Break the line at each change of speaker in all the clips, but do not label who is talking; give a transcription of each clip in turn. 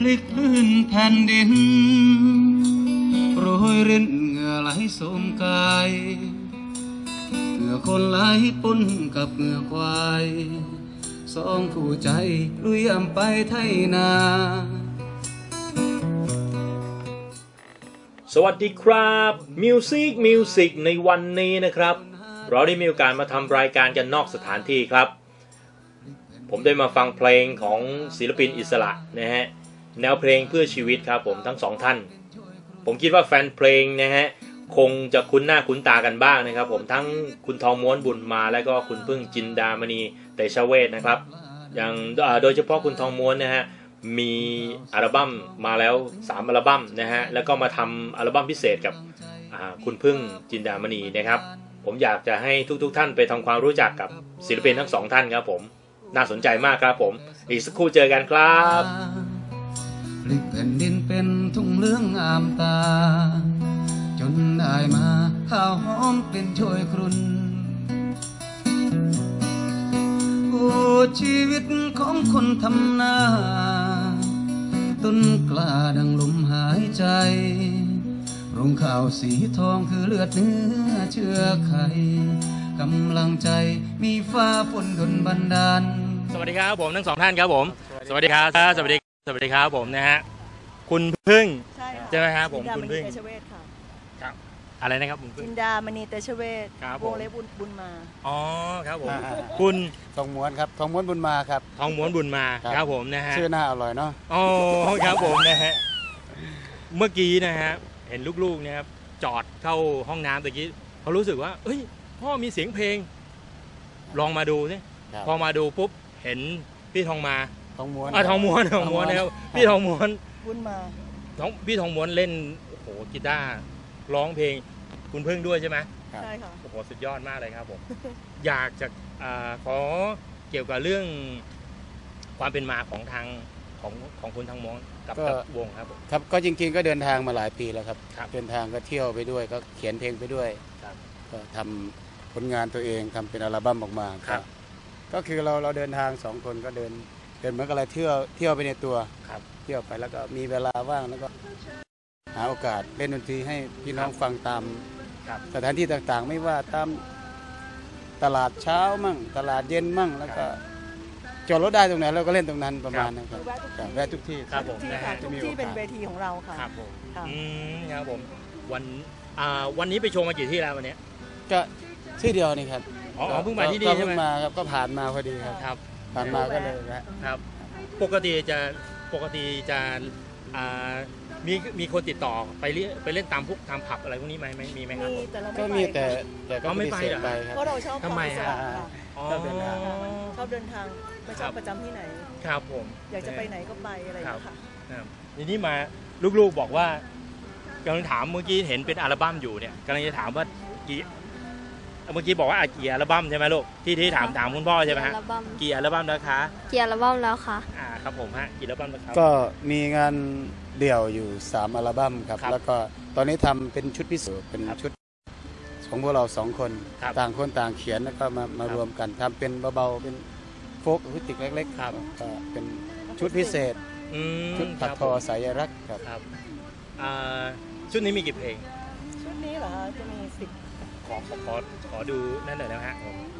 ลิกพื้นแผ่นดินโรยรินเหงื่อไหลโสมกายเหงื่อคนไหลปนกับเหงื่อควายสองคู่ใจลุยอำไปไทยนา
สวัสดีครับมิวสิกในวันนี้นะครับเราได้มีโอกาสมาทำรายการกันนอกสถานที่ครับผมได้มาฟังเพลงของศิลปินอิสระนะฮะแนวเพลงเพื่อชีวิตครับผมทั้งสองท่านผมคิดว่าแฟนเพลงนะฮะคงจะคุ้นหน้าคุ้นตากันบ้างนะครับผมทั้งคุณทองม้วนบุญมาและก็คุณพึ่งจินดามณีเตชเวชนะครับอย่างโดยเฉพาะคุณทองม้วนนะฮะมีอัลบั้มมาแล้ว3อัลบั้มนะฮะแล้วก็มาทำอัลบั้มพิเศษกับคุณพึ่งจินดามณีนะครับผมอยากจะให้ทุกท่านไปทำความรู้จักกับศิลปินทั้งสองท่านครับผมน่าสนใจมากครับผมอีกสักครู่เจอกันครับ
พลิกแผ่นดินเป็นทุ่งเหลืองงามตาจนได้มาข้าวหอมเป็นช่วยครุนโอ้ชีวิตของคนทำนาต้นกล้าดังลมหายใจรุงข้าวสีทองคือเลือดเนื้อเชื่อไขกำลังใจมีฟ้าฝนดลบันดาล
สวัสดีครับผมทั้งสองท่านครับผมสวัสดีครับสวัสดีครับผมนะฮะคุณพึ่งใช่ไหมครับผมคุณพึ่งครับอะไรนะครับคุณพึ่ง
จินดามณีเตชเวชวงเล็บบุญมา
อ๋อครับผมคุณ
ทองม้วนครับทองม้วนบุญมาครับ
ทองม้วนบุญมาครับผมนะฮะ
ชื่อหน้าอร่อยเนาะ
อ๋อครับผมนะฮะเมื่อกี้นะฮะเห็นลูกๆนะครับจอดเข้าห้องน้ำตะกี้เขารู้สึกว่าเอ้ยพ่อมีเสียงเพลงลองมาดูสิพอมาดูปุ๊บเห็นพี่ทองม้วนนะครับพี่ทองม้วน
บุญมา
พี่ทองม้วนเล่นโอ้โหกีตาร์ร้องเพลงคุณพึ่งด้วยใช่ไหม
ใช่ค่ะ
โอ้โหสุดยอดมากเลยครับผมอยากจะขอเกี่ยวกับเรื่องความเป็นมาของทางของคุณทองม้วนกับวงครับผม
ครับก็จริงๆก็เดินทางมาหลายปีแล้วครับเดินทางก็เที่ยวไปด้วยก็เขียนเพลงไปด้วยก็ทำผลงานตัวเองทำเป็นอัลบั้มออกมาก็คือเราเดินทาง2คนก็เดินเหมือนกับอะไรเที่ยวไปในตัวเที่ยวไปแล้วก็มีเวลาว่างแล้วก็หาโอกาสเล่นดนตรีให้พี่น้องฟังตามสถานที่ต่างๆไม่ว่าตามตลาดเช้ามั่งตลาดเย็นมั่งแล้วก็จอดรถได้ตรงไหนเราก็เล่นตรงนั้นประมาณนั้นครับแวะทุกที่
ครับผม
ทุกที่เป็นเวทีของเราค่ะ
ครับผมครับผมวันนี้ไปโชว์มากี่ที่แล้ววันนี้
ก็ที่เดียวนี่ครับ
อ๋อเพิ่งมาที่นี่ใช่ไหม
มาครับก็ผ่านมาพอดีครับผ่านมาก็เลย
ครับปกติจะมีคนติดต่อไปเล่นตามพวกตามผับอะไรพวกนี้ไหมมีไหมครับ
ก็มีแต่ก็
ไม่ไป
หรอ
เพราะเราชอบ
ทำไมฮะ
ชอบเดินทางไม่ชอบประจำที่ไหน
ครับผม
อยากจะไปไหนก็ไปอะไรอย่างเงี้ย
ค่ะทีนี้มาลูกๆบอกว่ากำลังถามเมื่อกี้เห็นเป็นอัลบั้มอยู่เนี่ยกำลังจะถามว่าเมื่อกี้บอกว่ากี่อัลบั้มใช่ไหมลูกที่ถามคุณพ่อใช่ไหมฮะกี่อัลบั้มแล้วคะ
กี่อัลบั้มแล้วคะ
ครับผมฮะกี่อัลบั้มแล้วครับ
ก็มีงานเดี่ยวอยู่3อัลบั้มครับแล้วก็ตอนนี้ทำเป็นชุดพิเศษเป็นชุดของพวกเรา2คนต่างคนต่างเขียนแล้วก็มารวมกันทำเป็นเบาๆเป็นโฟล์คอะคูสติกเล็กๆครับก็เป็นชุดพิเศษชุดถักทอสายรักครับ
ชุดนี้มีกี่เพลง
ชุดนี้เหรอคะจะมี10
ขอดูนั่นหน่อยนะฮะ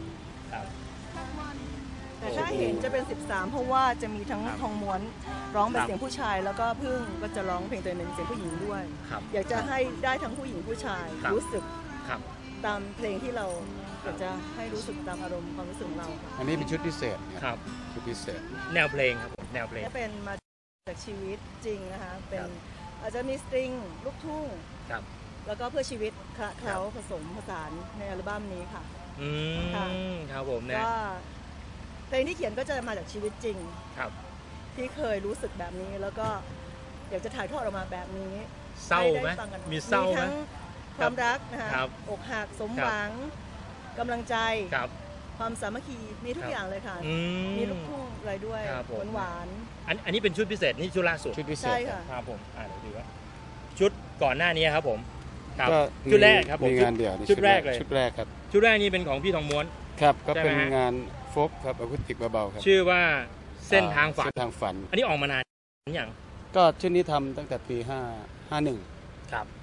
แต่ถ้าเห็นจะเป็น13เพราะว่าจะมีทั้งทองม้วนร้องเป็นเสียงผู้ชายแล้วก็พึ่งก็จะร้องเพลงตัวเองเป็นเสียงผู้หญิงด้วยอยากจะให้ได้ทั้งผู้หญิงผู้ชายรู้สึกตามเพลงที่เราอยากจะให้รู้สึกตามอารมณ์ความรู้สึกของเรา
อันนี้เป็นชุดพิเศษ
ครับ
ชุดพิเศษ
แนวเพลงครับแนวเพลง
เป็นมาจากชีวิตจริงนะคะเป็นอาจจะมีสตริงลูกทุ่งแล้วก็เพื่อชีวิตเคล้าผสมผสานในอัลบั้มนี้ค่ะ
ครับผมนะ
ก็เพลงที่เขียนก็จะมาจากชีวิตจริงที่เคยรู้สึกแบบนี้แล้วก็อยากจะถ่ายทอดออกมาแบบนี้
เศร้าไหมมีเศร้าไหม
ความรักนะคะอกหักสมหวังกำลังใจความสามัคคีมีทุกอย่างเลยค่ะมีลูกทุ่งอะไรด้วยหวาน
อันนี้เป็นชุดพิเศษนี่ชุดล่าสุด
ชุดพิเศษ
ใช่ค่ะ
ครับผมเดี๋ยวดูว่าชุดก่อนหน้านี้ครับผมชุดแรกครับผมชุดแรกเลย
ชุดแรกครับ
ชุดแรกนี่เป็นของพี่ทองม้วน
ครับก็เป็นงานโฟล์คครับอะคูสติกเบาๆครับ
ชื่อว่าเส้นทางฝัน
อันนี้
ออกมานานอย่าง
ก็ชุดนี้ทำตั้งแต่ปี51
ครับ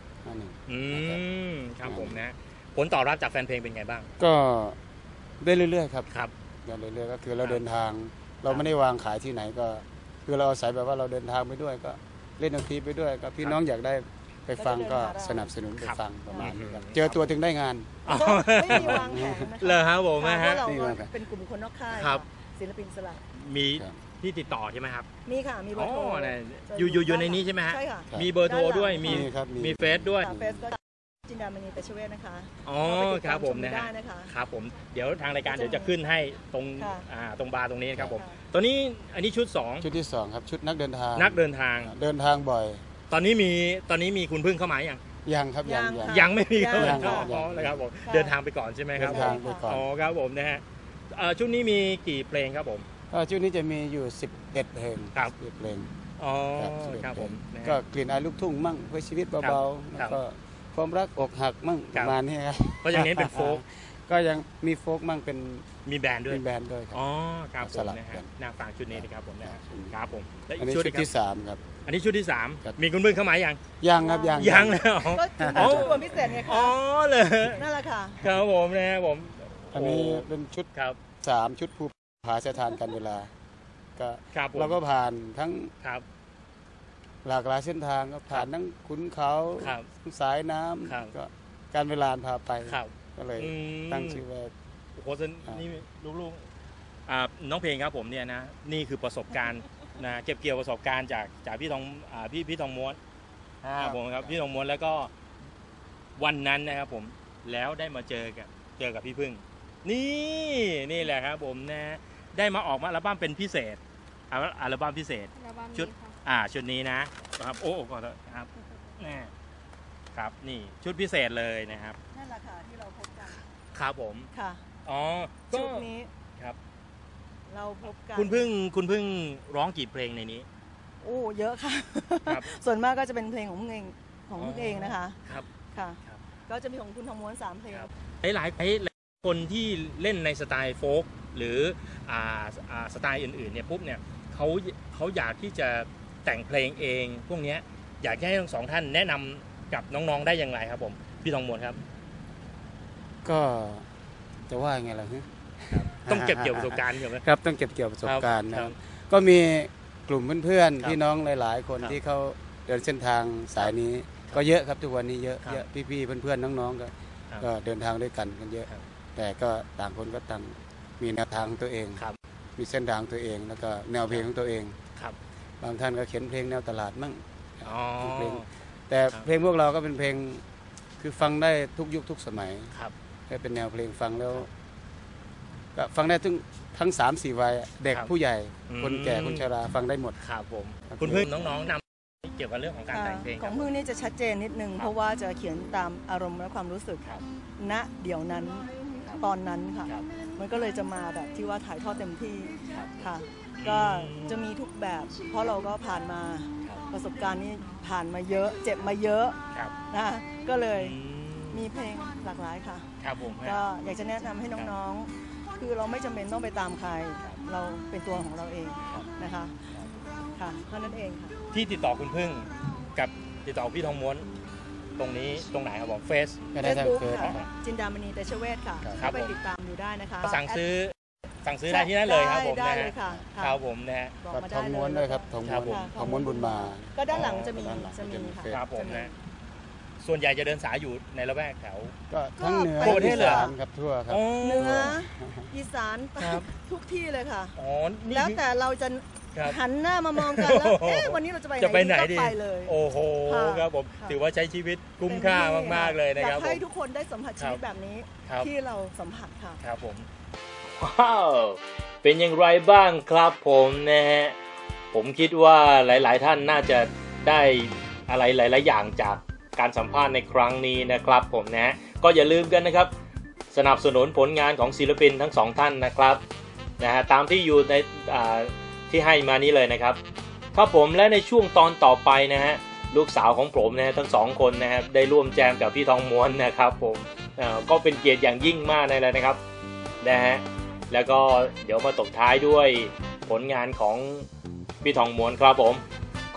51
ครับผมนะผลตอบรับจากแฟนเพลงเป็นไงบ้าง
ก็ได้เรื่อยๆครับ
ครับ
ได้เรื่อยๆก็คือเราเดินทางเราไม่ได้วางขายที่ไหนก็คือเราอาศัยแบบว่าเราเดินทางไปด้วยก็เล่นดนตรีไปด้วยก็พี่น้องอยากได้ไปฟังก็สนับสนุนไปฟังประมาณนี้ครับเจอตัวถึงได้งาน
ไม่มีวางแผนนะคะ
เลยครับผม
นะฮะเราเป็นกลุ่มคนนอกค่ายศิลปินอิสระ
มีที่ติดต่อใช่ไหมครับ
มีค่ะมีเบอร์โทร
อยู่ในนี้ใช่ไหมฮะ
ใช่ค่ะ
มีเบอร์โทรด้วยมีเฟซด้วย
เฟซก็จินดามณีแต่ชเวทนะคะ
อ๋อครับผมนะฮะครับผมเดี๋ยวทางรายการเดี๋ยวจะขึ้นให้ตรงบาร์ตรงนี้ครับผมตัวนี้อันนี้ชุด
ที่2ครับชุดนักเดินทาง
เดินทาง
บ่อย
ตอนนี้มีคุณพึ่งเข้ามา
ยังครับ
ยังไม่มีเข้ามานะครับผมเดินทางไปก่อนใช่ไหมครับอ๋อครับผมนะฮะชุดนี้มีกี่เพลงครับผม
ชุดนี้จะมีอยู่11เพลง
ครับ
เพลง
อ๋อครับผม
ก็กลิ่นอายลูกทุ่งมั่งเพื่อชีวิตเบาๆแล้วก็ความรักอกหักมั่งประมาณนี้ครับ
ก็ยังเน้นเป็นโฟก
ก็ยังมีโฟกมั่งเป็น
มีแบนด์ด้วย
ครับ
อ๋อครับผมนะฮะน่าฟังชุดนี้นะครับผมนะครับผม
อันนี้ชุดที่3ครับ
อันนี้ชุดที่3มีคุณพึ่งเข้ามา
ยังครับ
ยังแล้ว
ก็ชุดวันพิเศษไงครับ
อ๋อเลย
นั่นแหละค่ะ
ครับผมนะครับผม
อันนี้เป็นชุด
ครับ
3ชุดภูผาสถานกันเวลาก็เราก็ผ่านทั้งหลากหลายเส้นทางก็ผ่านทั้งขุนเขาสายน้ำก็การเวลาพาไปก็เลยตั้งชื่อว่า
โอ้โหนี่ลูกๆน้องเพลงครับผมเนี่ยนะนี่คือประสบการณ์นะเก็บเกี่ยวประสบการณ์จากพี่ทองม้วนผมครับพี่ทองม้วนแล้วก็วันนั้นนะครับผมแล้วได้มาเจอกับพี่พึ่งนี่แหละครับผมนะได้มาออกมาอัลบั้มเป็นพิเศษอัลบั้มพิเศษชุดนี้นะครับโอ้ก่อนครับครับนี่ชุดพิเศษเลยนะครับ
นั่นแหละค่ะที่เราพบกัน
ครับผม
ค่ะชุดนี้
ครับ
เราพบกัน
คุณพึ่งร้องกี่เพลงในนี้
โอ้เยอะค่ะส่วนมากก็จะเป็นเพลงของพึ่งเองนะคะ
ครับ
ค่ะก็จะมีของคุณทองม้วน3เพลง
หลายคนที่เล่นในสไตล์โฟล์กหรือสไตล์อื่นๆเนี่ยปุ๊บเนี่ยเขาอยากที่จะแต่งเพลงเองพวกนี้อยากให้ทั้ง2ท่านแนะนำกับน้องๆได้อย่างไรครับผมพี่ทองม้วนครับ
ก็จะว่าไงล่ะ
ต้องเก็บเกี่ยวประสบการณ์ใช่ไหม
ครับต้องเก็บเกี่ยวประสบการณ์นะครับก็มีกลุ่มเพื่อนๆพี่น้องหลายๆคนที่เขาเดินเส้นทางสายนี้ก็เยอะครับทุกวันนี้เยอะพี่ๆเพื่อนๆน้องๆก็เดินทางด้วยกันเยอะแต่ก็ต่างคนก็ต่างมีแนวทางตัวเองมีเส้นทางตัวเองแล้วก็แนวเพลงของตัวเองบางท่านก็เขียนเพลงแนวตลาดมั่งเพลงแต่เพลงพวกเราก็เป็นเพลงคือฟังได้ทุกยุคทุกสมัยให้เป็นแนวเพลงฟังแล้วก็ฟังได้ทั้ง 3-4 วัยเด็กผู้ใหญ่คนแก่คนชราฟังได้หมด
ครับผมคุณพึ่งน้องๆนำเกี่ยวกับเรื่องของการแต่งเพลง
ของพึ่งนี่จะชัดเจนนิดนึงเพราะว่าจะเขียนตามอารมณ์และความรู้สึกณเดี๋ยวนั้นตอนนั้นค่ะมันก็เลยจะมาแบบที่ว่าถ่ายทอดเต็มที่ค่ะก็จะมีทุกแบบเพราะเราก็ผ่านมาประสบการณ์นี้ผ่านมาเยอะเจ็บมาเยอะนะก็เลยมีเพลงหลากหลายค่ะก็อยากจะแนะนำให้น้องๆคือเราไม่จำเป็นต้องไปตามใครเราเป็นตัวของเราเองนะคะค่ะเท่านั้นเองค่ะ
ที่ติดต่อคุณพึ่งกับติดต่อพี่ทองม้วนตรงนี้ตรงไหนครับผมเฟซ
บุ๊กค่ะจินดามณีแต่ชเวทค่ะไปติดตามอยู่ได้นะคะ
สั่งซื้อได้ที่นั่นเลยครับผม
ได้เลยค่ะ
ครับผมนะฮะ
ทองม้วนด้วยครับทองม้วนบุญมา
ก็ด้านหลังจะมีค่ะ
ครับผมนะส่วนใหญ่จะเดินสายอยู่ในละแวกแถว
ก็ทั้งเหนืออีสานครับทั่วครับ
เหนืออีสานทุกที่เลยค่ะแล้วแต่เราจะหันหน้ามามองกันแล้ววันนี้เราจะไปไหนดีไปเลย
โอ้โหครับผมถือว่าใช้ชีวิตคุ้มค่ามากๆเลยนะครับ
อยากให้ทุกคนได้สัมผัสชีวิตแบบนี้ที่เราสัมผัสค่ะ
ครับผมว้าวเป็นอย่างไรบ้างครับผมนะฮะผมคิดว่าหลายๆท่านน่าจะได้อะไรหลายๆอย่างจากการสัมภาษณ์ในครั้งนี้นะครับผมนะก็อย่าลืมกันนะครับสนับสนุนผลงานของศิลปินทั้ง2ท่านนะครับนะฮะตามที่อยู่ในที่ให้มานี้เลยนะครับครับผมและในช่วงตอนต่อไปนะฮะลูกสาวของผมนะทั้ง2คนนะครับได้ร่วมแจมกับพี่ทองม้วนนะครับผมก็เป็นเกียรติอย่างยิ่งมากเลยนะครับนะฮะแล้วก็เดี๋ยวมาตบท้ายด้วยผลงานของพี่ทองม้วนครับผมข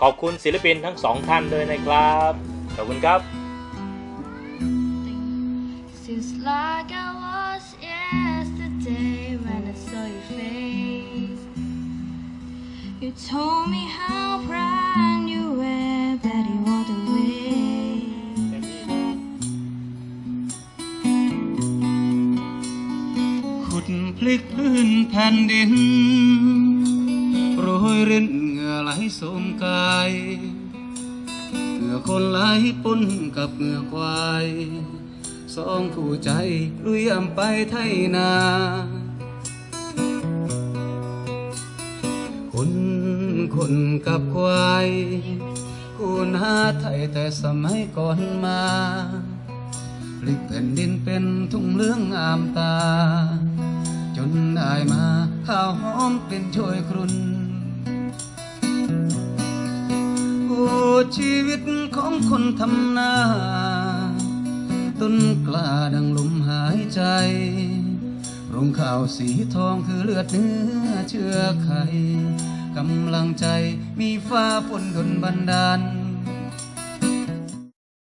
ขอบคุณศิลปินทั้งสองท่านด้วยนะครับขอบคุณครับ
Seems like I was yesterday when I saw your face. You told me how proud you were, but you walked away.
ขุดพลิกพื้นแผ่นดินโรยรินเหงื่อไหลโสมกายเหงื่อคนไหลปนกับเหงื่อควายสองคู่ใจลุยอำไปไทยนาคนกับควายคู่หาไทยแต่สมัยก่อนมาพลิกแผ่นดินเป็นทุ่งเหลืองงามตาจนได้มาข้าวหอมกลิ่นโชยครุนโอ้ชีวิตของคนทำนาต้นกล้าดังลมหายใจรวงข้าวสีทองคือเลือดเนื้อเชื่อไขกำลังใจมีฟ้าฝนดลบันดาล